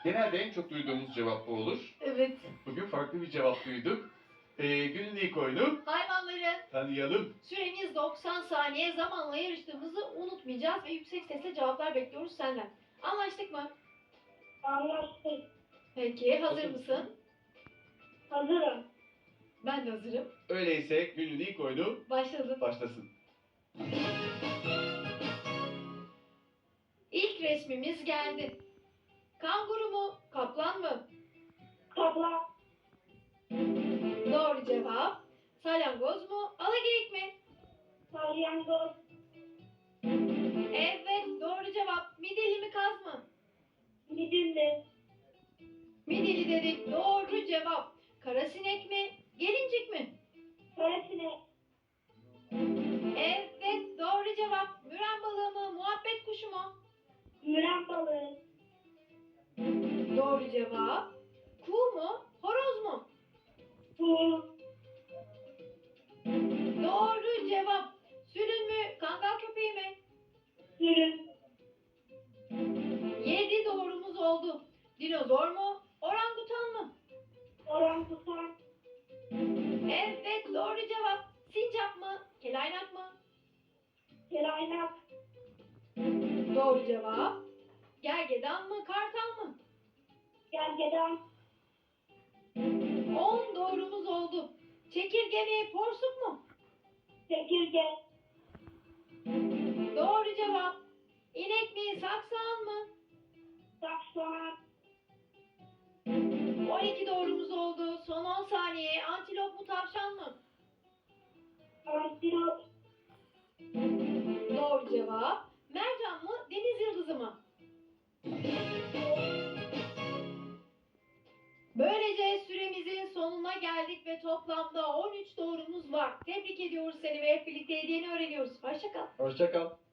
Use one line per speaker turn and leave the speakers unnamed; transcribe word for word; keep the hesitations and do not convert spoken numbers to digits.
Genelde en çok duyduğumuz cevap bu olur.
Evet.
Bugün farklı bir cevap duyduk. Ee, günün ilk oyunu
Hayvanları.
tanıyalım.
Süremiz doksan saniye. Zamanla yarıştığımızı unutmayacağız ve yüksek sesle cevaplar bekliyoruz senden. Anlaştık mı?
Anlaştık.
Peki, hazır
Hazır
mısın?
Hazırım.
Ben de hazırım.
Öyleyse günün ilk oyunu
Başladım.
başlasın.
İlk resmimiz geldi. Kanguru mu, kaplan mı?
Kaplan.
Doğru cevap. Salyangoz mu, alageyik mi?
Salyangoz.
Evet, doğru cevap. Midilli mi, kaz mı?
Midilli.
Midilli dedik. Doğru cevap. Karasinek mi, gelincik mi?
Karasinek.
Evet, doğru cevap. Müren balığı mı, muhabbet kuşu mu?
Müren balığı.
Doğru cevap. Kuğu mu, horoz mu?
Kuğu.
Doğru cevap. Sülün mü, kangal köpeği mi?
Sürü.
Yedi doğrumuz oldu. Dinozor mu, orangutan mı?
Orangutan.
Evet, doğru cevap. Sincap mı, kelaynak mı?
Kelaynak.
Doğru cevap. Gergedan mı, kartal mı?
Gergedan.
On doğrumuz oldu. Çekirge mi, porsuk mu?
Çekirge.
Doğru cevap. İnek mi, saksağan mı?
Saksoğan.
On iki doğrumuz oldu. Son on saniye. Antilop mu, tavşan mı?
Antilop.
Doğru cevap. Mercan mı, deniz yıldızı mı? Böylece süremizin sonuna geldik ve toplamda on üç doğrumuz var. Tebrik ediyoruz seni ve hep birlikte hediyeni öğreniyoruz. Hoşça kal.
Hoşça kal.